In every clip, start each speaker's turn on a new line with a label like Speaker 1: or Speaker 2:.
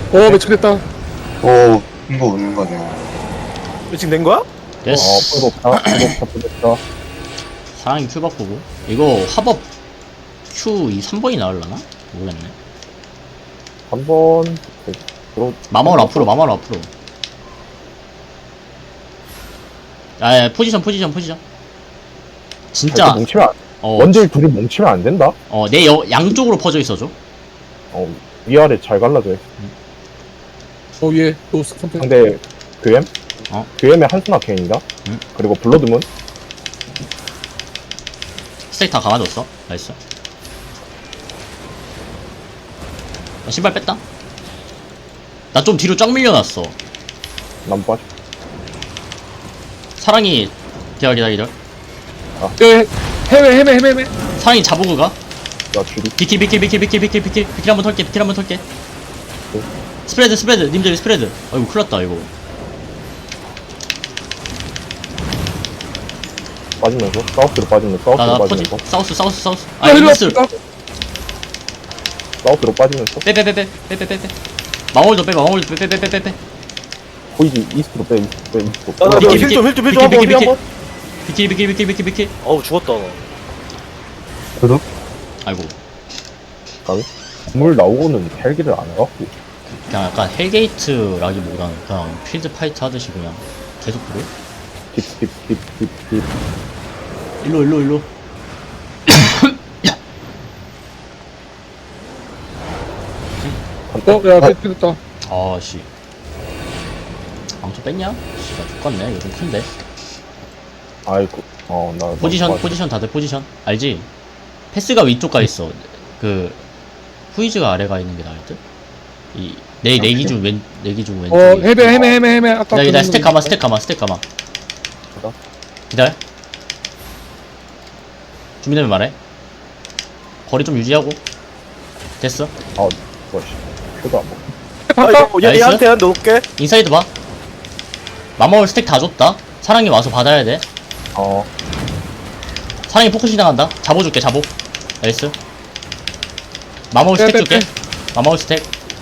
Speaker 1: 매칭됐다.
Speaker 2: 이거 오는 거네.
Speaker 3: 지금 된 거야?
Speaker 4: 됐어.
Speaker 5: 부럽다.
Speaker 4: 사랑이 큐 바꾸고. 이거 합업 Q 이 3번이 나올라나? 모르겠네.
Speaker 5: 한번
Speaker 4: 마마울 앞으로, 마마울 앞으로. 아, 포지션. 진짜,
Speaker 5: 뭉치면
Speaker 4: 어,
Speaker 5: 원딜 둘이 뭉치면 안 된다.
Speaker 4: 내 양쪽으로 퍼져 있어줘.
Speaker 5: 위아래 잘 갈라져.
Speaker 1: 위에 또 선택.
Speaker 5: 상대 규엠?
Speaker 4: 어.
Speaker 5: 규엠의 한순아 케인이다.
Speaker 4: 응.
Speaker 5: 그리고 블러드문.
Speaker 4: 스택 다 감아줬어. 나이스. 신발 뺐다. 나 좀 뒤로 쫙 밀려났어.
Speaker 5: 난 빠져.
Speaker 4: 사랑이, 기다려.
Speaker 1: 해외.
Speaker 4: 사랑이 자보그 가.
Speaker 5: 나 줄이.
Speaker 4: 비킬 한번 털게. 스프레드 님들 스프레드. 아이고 큰일났다 이거.
Speaker 5: 빠지면서 사우스로 빠지면서
Speaker 4: 나 퍼지.
Speaker 5: 빠지면서
Speaker 4: 사우스. 아
Speaker 1: 일로
Speaker 4: 이스.
Speaker 1: 왔다.
Speaker 5: 사우스로 빠지면서
Speaker 4: 빼. 마월도 빼.
Speaker 5: 보이지 이스트로 빼.
Speaker 3: 나
Speaker 4: 비키,
Speaker 3: 힐좀
Speaker 4: 비키.
Speaker 3: 한번.
Speaker 4: 비킬.
Speaker 3: 어우 죽었다.
Speaker 5: 그룹
Speaker 4: 아이고.
Speaker 5: 물 나오고는 헬기를 안 해갖고
Speaker 4: 그냥 약간 헬게이트라기보다는 그냥 필드 파이트 하듯이 그냥 계속 그래.
Speaker 5: 딥
Speaker 4: 일로.
Speaker 1: 매칭됐다.
Speaker 4: 아씨. 망쳐 뺐냐? 씨가 죽겠네. 이거 좀 큰데.
Speaker 5: 아이고 나
Speaker 4: 포지션 다들 포지션 알지? 패스가 위쪽 가 있어. 그 후이즈가 아래가 있는 게 나을 듯. 내 기준 왼 왼쪽.
Speaker 1: 해외. 아까.
Speaker 4: 나 스택 감아. 기다려. 준비되면 말해. 거리 좀 유지하고. 됐어.
Speaker 5: 뭐지 표도 안 먹어.
Speaker 3: 아 이거
Speaker 4: 나이스.
Speaker 3: 얘한테 한 넣을게.
Speaker 4: 인사이드 봐. 마마올 스택 다 줬다. 사랑이 와서 받아야 돼. 사랑이 포커싱 당한다. 잡아줄게. 나이스. 마마올 스택 줄게. 마마올 스택.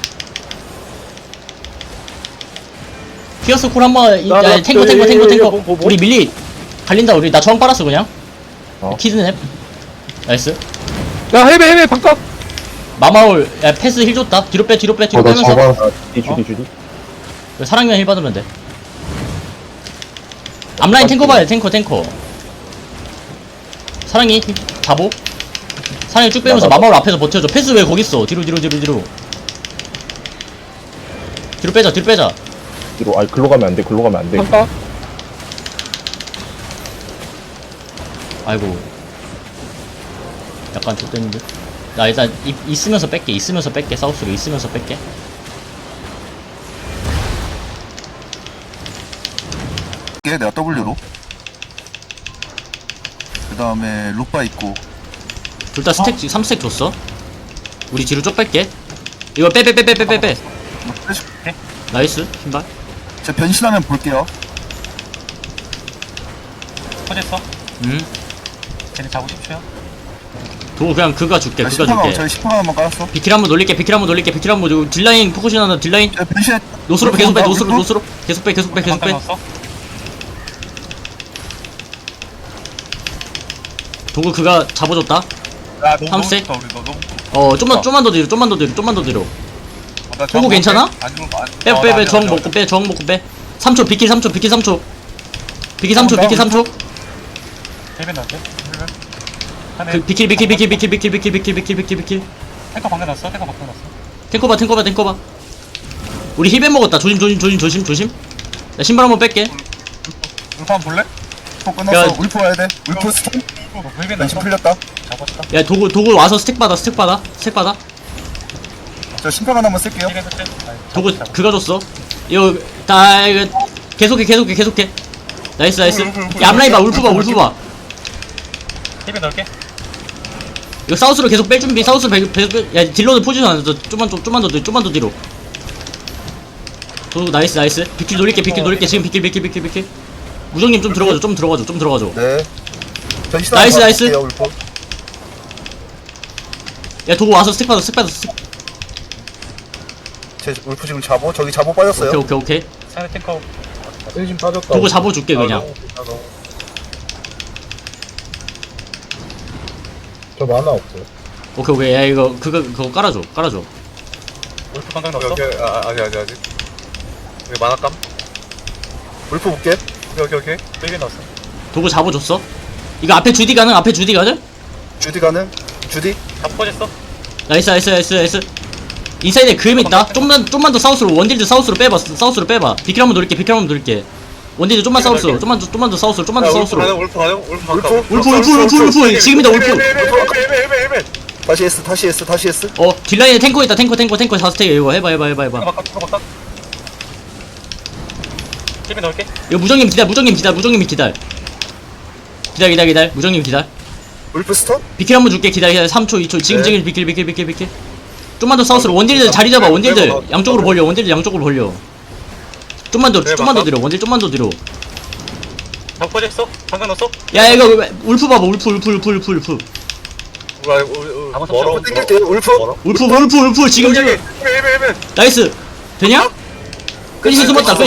Speaker 4: 피어스 콜 한번. 탱커. 우리 밀리 갈린다. 우리 나 저항 빨았어 그냥. 키드냅. 나이스.
Speaker 1: 야 해외 반값.
Speaker 4: 마마올 패스 힐 줬다. 뒤로 빼면서.
Speaker 5: 주디
Speaker 4: 사랑이만 힐 받으면 돼. 앞라인 탱커 봐야 돼. 탱커. 사랑이 잡오. 사랑이 쭉 빼면서 마마올 앞에서 버텨줘. 패스 왜 거기 있어? 뒤로. 뒤로 빼자.
Speaker 5: 뒤로 글로 가면 안 돼.
Speaker 1: 반값.
Speaker 4: 아이고. 약간 좆됐는데. 나 일단 있으면서 뺄게. 사우스로 있으면서 뺄게.
Speaker 2: 내가 W로. 그 다음에 루파 있고.
Speaker 4: 둘 다 스택 3스택 줬어. 우리 뒤로 쭉 뺄게. 이거 빼. 나이스. 신발.
Speaker 2: 제가 변신하면 볼게요.
Speaker 6: 터졌어?
Speaker 4: 응.
Speaker 6: 쟤네 잡으십시오.
Speaker 4: 도 그냥 그가 줄게.
Speaker 2: 저희 10%가 한번 깔았어.
Speaker 4: 비킬 한번 놀릴게. 딜라인 포커싱 하나. 딜라인.
Speaker 2: 제가 변신해.
Speaker 4: 노스로 계속 빼. 계속 빼.
Speaker 6: 방탄 넣었어?
Speaker 4: 도구 그가 잡아줬다.
Speaker 6: 야 너무
Speaker 4: 삼색?
Speaker 6: 우리 너무
Speaker 4: 좀만 더 뒤로. 도구 괜찮아? 빼. 저항 먹고 빼. 3초 비킬 3초. 비킬 3초.
Speaker 6: 헬멧 넣을게.
Speaker 4: 그 비킬.
Speaker 6: 탱커 방금 넣었어? 탱커 방금 넣었어?
Speaker 4: 탱커 봐. 우리 힐벤 먹었다. 조심. 나 신발 한번 뺄게.
Speaker 6: 울프 한번 볼래?
Speaker 2: 또 끝났어. 울프 와야 돼. 울프 스톤.
Speaker 6: 헬멧
Speaker 2: 변신
Speaker 6: 넣었어?
Speaker 2: 풀렸다.
Speaker 6: 잡았다.
Speaker 4: 야 도구 와서 스택 받아.
Speaker 2: 저 심판 한번 쓸게요.
Speaker 6: 힐멧 설치?
Speaker 4: 도구 그가 줬어. 이거 계속해. 나이스. 야, 앞라인 봐. 울프 봐.
Speaker 6: 힐멧 넣을게.
Speaker 4: 이거 사우스로 계속 뺄 준비. 사우스로 계속 빼. 야 딜러는 포지션 안 줘. 좀만 더 뒤로. 도구 나이스. 비킬 놀릴게. 지금 비킬. 우정님 좀 들어가줘.
Speaker 2: 네. 변신
Speaker 4: 나이스.
Speaker 2: 울프.
Speaker 4: 야 도구 와서 스택 받아.
Speaker 2: 제 울프 지금 잡어. 저기 잡어 빠졌어요.
Speaker 4: 오케이.
Speaker 6: 상대 탱커.
Speaker 1: 세진 빠졌다.
Speaker 4: 도구 잡아줄게 그냥.
Speaker 1: 저 만화 없어요.
Speaker 4: 오케이. 야 이거 그거 깔아줘.
Speaker 6: 울프 방금 넣었어?
Speaker 7: 아직. 여기 만화감?
Speaker 2: 울프 볼게.
Speaker 7: 오케이.
Speaker 6: 힐벤 넣었어.
Speaker 4: 도구 잡아줬어. 이거 앞에 주디 가능?
Speaker 2: 주디 가는? 주디?
Speaker 6: 다 퍼졌어?
Speaker 4: 나이스. 인사이드에 그음 있다. 좀만 더 사우스로 원딜드 사우스로 빼봐. 비킬 한번 노릴게. 원딜드 좀만 사우스로. 좀만 더 사우스로.
Speaker 7: 울프 가능? 울프 반갑.
Speaker 4: 울프 지금이다 울프.
Speaker 2: 다시 S.
Speaker 4: 딜라인에 탱커 있다. 탱커 4스택 이거 해봐.
Speaker 6: 탱커 바깥. 힐벤 넣을게.
Speaker 4: 이거 무정님 기다려. 무정님 기다려.
Speaker 2: 울프 스턴?
Speaker 4: 비킬 한번 줄게. 기다려. 3초 2초. 지금 비킬. 좀만 더 사우스로. 원딜들 자리 잡아. 원딜들 양쪽으로 벌려. 좀만 더 뒤로. 원딜 좀만 더 뒤로.
Speaker 6: 다 퍼졌어? 방금 넣었어?
Speaker 4: 야 이거 울프 봐봐. 울프.
Speaker 7: 멀어.
Speaker 2: 땡길 때 울프?
Speaker 4: 울프 지금. 나이스. 되냐? 페이시 숨었다.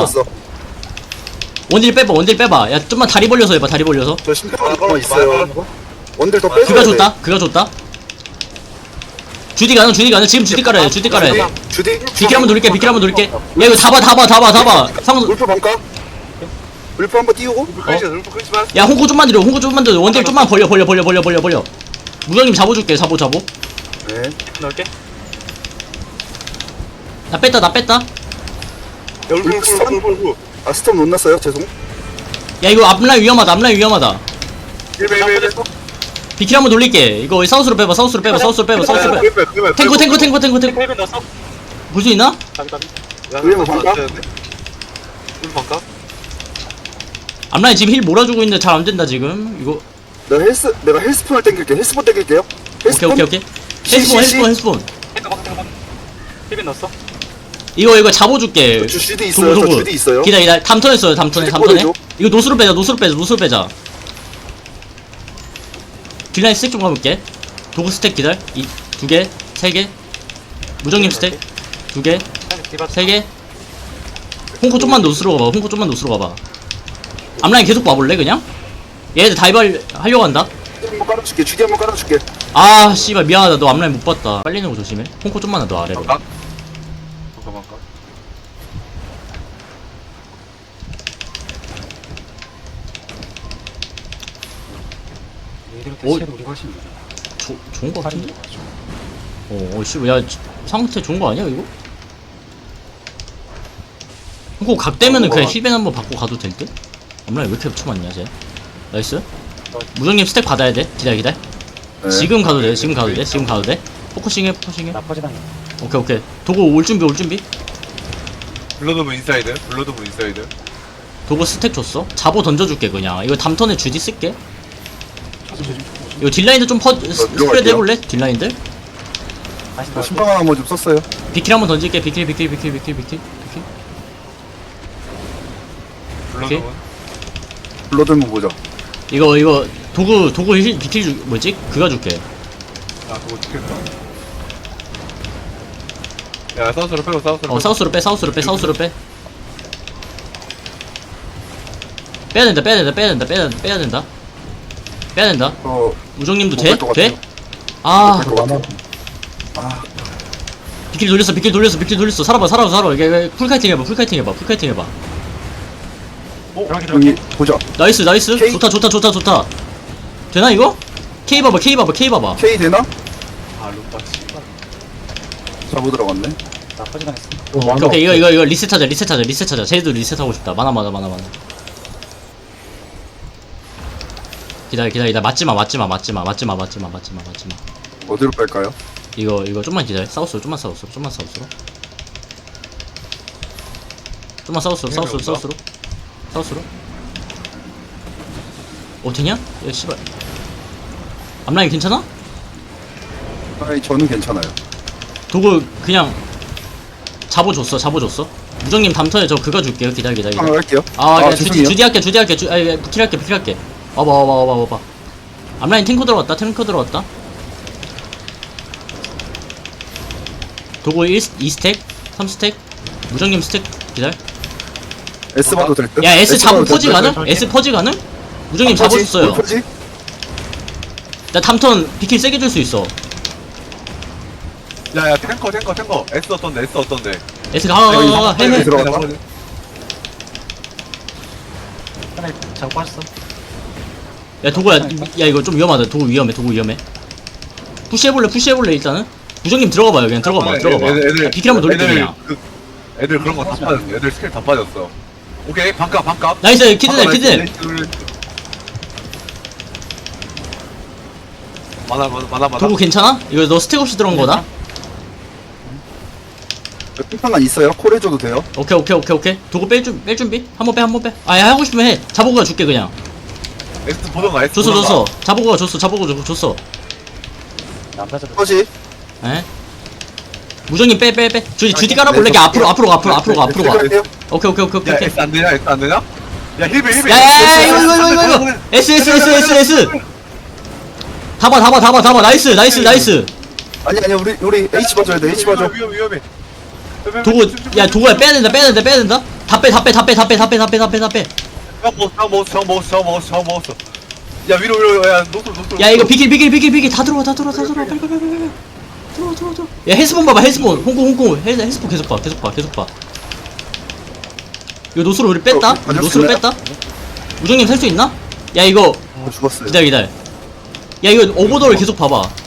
Speaker 4: 원딜 빼봐. 야 좀만 다리 벌려서 해봐.
Speaker 2: 저 심판 있어요. 원딜 더 빼줘야 돼.
Speaker 4: 그가 줬다. 주디 가는. 지금 주디 깔아야 돼.
Speaker 2: 주디?
Speaker 4: 비킬 한번 돌릴게. 야 이거 다 봐.
Speaker 2: 울프 반가? 울프 한번 띄우고?
Speaker 7: 울프 끊지마.
Speaker 4: 야 홍코 좀만 들여. 원딜 좀만 벌려. 무정님 잡아줄게. 잡어.
Speaker 2: 네.
Speaker 6: 힐벤 넣을게.
Speaker 4: 나 뺐다.
Speaker 7: 울프.
Speaker 2: 아 스톰 못 났어요. 죄송.
Speaker 4: 야 이거 앞라인 위험하다.
Speaker 6: 다 퍼졌어?
Speaker 4: 비킬 한번 돌릴게. 이거 사우스로 빼봐. 탱커.
Speaker 6: 힐벤 넣었어?
Speaker 4: 볼 수 있나?
Speaker 2: 울프 반가?
Speaker 7: 울프 반갑.
Speaker 4: 앞라인 지금 힐 몰아주고 있는데 잘 안 된다 지금. 이거
Speaker 2: 내가 헬스폰을 땡길게. 헬스폰 땡길게요.
Speaker 4: 오케이. 헬스폰.
Speaker 6: 탱커 바깥. 힐벤 넣었어?
Speaker 4: 이거 잡아줄게.
Speaker 2: 주디 있어요. 저 주디 있어요.
Speaker 4: 기다려. 담턴에.
Speaker 2: 보내줘.
Speaker 4: 이거 노스로 빼자. 딜라인 스택 좀 가볼게. 도구 스택 기다려. 2개, 3개. 무정님 스택 2개,
Speaker 6: 상대 디바.
Speaker 4: 3개. 홍코 좀만 노스로 가봐. 앞라인 계속 봐볼래 그냥? 얘들 다이발 하려고 한다.
Speaker 2: 한번 깔아줄게. 주디 한번 깔아줄게.
Speaker 4: 아 씨발 미안하다. 너 앞라인 못 봤다. 빨리 내고 조심해. 홍코 좀만 더 아래로.
Speaker 7: 반갑.
Speaker 4: 오, 좋은 거 같은데? 씨발 야 상태 좋은 거 아니야 이거? 홍코 각 되면은 그냥 힐벤 한번 받고 가도 될 듯? 앞라인 왜 이렇게 쳐맞냐 쟤? 나이스. 무정님 스택 받아야 돼. 기다려.
Speaker 2: 네.
Speaker 4: 지금 가도 돼. 포커싱해.
Speaker 6: 나 퍼지다니.
Speaker 4: 오케이. 도구 올 준비.
Speaker 7: 블러드브 인사이드.
Speaker 4: 도구 스택 줬어. 잡어 던져줄게 그냥. 이거 담턴에 주디 쓸게. 이거 딜라인들 좀 스프레드
Speaker 2: 들어갈게요.
Speaker 4: 해볼래? 딜라인들?
Speaker 2: 저 심판 한번 좀 썼어요.
Speaker 4: 비킬 한번 던질게. 비킬.
Speaker 7: 블러드브.
Speaker 2: 블러드 한번 보자.
Speaker 4: 이거 도구 비킬 뭐지? 그가 줄게.
Speaker 7: 그거 죽겠다. 야, 사우스로 빼고
Speaker 4: 사우스로 빼. 빼야 된다. 우정님도 돼?
Speaker 2: 못할 것
Speaker 4: 돼?
Speaker 2: 같아요.
Speaker 4: 아,
Speaker 2: 만화.
Speaker 4: 비킬 돌렸어. 살아봐. 이게 풀카이팅 해봐.
Speaker 2: 여기 보자.
Speaker 4: 나이스.
Speaker 2: K?
Speaker 4: 좋다. 되나 이거? K 봐봐.
Speaker 2: K 되나?
Speaker 7: 루파 씨발.
Speaker 2: 잘못 들어갔네.
Speaker 6: 나 퍼지당했어.
Speaker 4: 오케이. 이거 리셋하자. 쟤도 리셋하고 싶다. 많아. 기다려. 맞지마.
Speaker 2: 어디로 뺄까요?
Speaker 4: 이거 좀만 기다려. 사우스로. 되냐? 야 씨발. 앞라인 괜찮아?
Speaker 2: 아니 저는 괜찮아요.
Speaker 4: 도구 그냥 잡아줬어. 무정님 담턴에 저 그거 줄게요. 기다려.
Speaker 2: 한번 할게요.
Speaker 4: 그냥
Speaker 2: 죄송해요.
Speaker 4: 주디 할게. 비킬할게. 와봐. 앞라인 탱커 들어왔다. 도구 2스택. 3스택. 무정님 스택 기다려.
Speaker 2: S 봐도 될 듯?
Speaker 4: 야 S 잡고
Speaker 2: 봐도
Speaker 4: 퍼지
Speaker 2: 될 듯?
Speaker 4: 가능? S 퍼지 가능? 무정님
Speaker 2: 퍼지?
Speaker 4: 잡아줬어요.
Speaker 2: 뭘 퍼지?
Speaker 4: 나 탐턴 비킬 세게 줄 수 있어.
Speaker 7: 야야 탱커 S 어떤데 S 어떤데
Speaker 4: S 가 해해.
Speaker 2: 들어갔다.
Speaker 6: 하나 자고 빠졌어.
Speaker 4: 야 도구야, 야 이거 좀 위험하다. 도구 위험해. 푸시해볼래 일단은. 무정님 들어가봐요. 그냥 들어가봐. 야, 비킬 한번 돌릴게 그냥.
Speaker 7: 애들 그런 거 다 빠졌어 애들 스킬 다 빠졌어 오케이 반값
Speaker 4: 나이스 키드네.
Speaker 7: 많아
Speaker 4: 도구 괜찮아? 이거 너 스택 없이 들어온 거다?
Speaker 2: 핑판관 있어요? 콜 해줘도 돼요?
Speaker 4: 오케이. 도구 뺄 준비? 한번 빼. 아, 야, 하고 싶으면 해. 자보고가 줄게, 그냥.
Speaker 7: S 보던가 S
Speaker 4: 줬어. 자보고가 줬어.
Speaker 6: 안 빠져도.
Speaker 2: 퍼지?
Speaker 4: 에? 무정님 빼. 주디 깔아볼래? 앞으로 가.
Speaker 2: 네,
Speaker 4: 오케이.
Speaker 7: 야 S 안 되냐 야 힐베
Speaker 4: 야, 이거. S. 잡아. 나이스.
Speaker 2: 아니 우리 H 봐줘야 돼 H 봐줘.
Speaker 7: 위험해
Speaker 4: 도구, 야, 도구야, 빼야 된다. 다 빼.
Speaker 7: 정 먹었어 야 위로 야 노슬
Speaker 4: 야, 이거 비킬. 다 들어와. 빨리. 들어와. 야, 헬스본 봐봐, 홍콩. 헬스본 계속 봐. 이거 노스로 우리 뺐다? 노스로 뺐다? 무정님 살 수 있나? 야, 이거,
Speaker 2: 죽었어요.
Speaker 4: 기다려. 야, 이거 오버돌 계속 봐봐.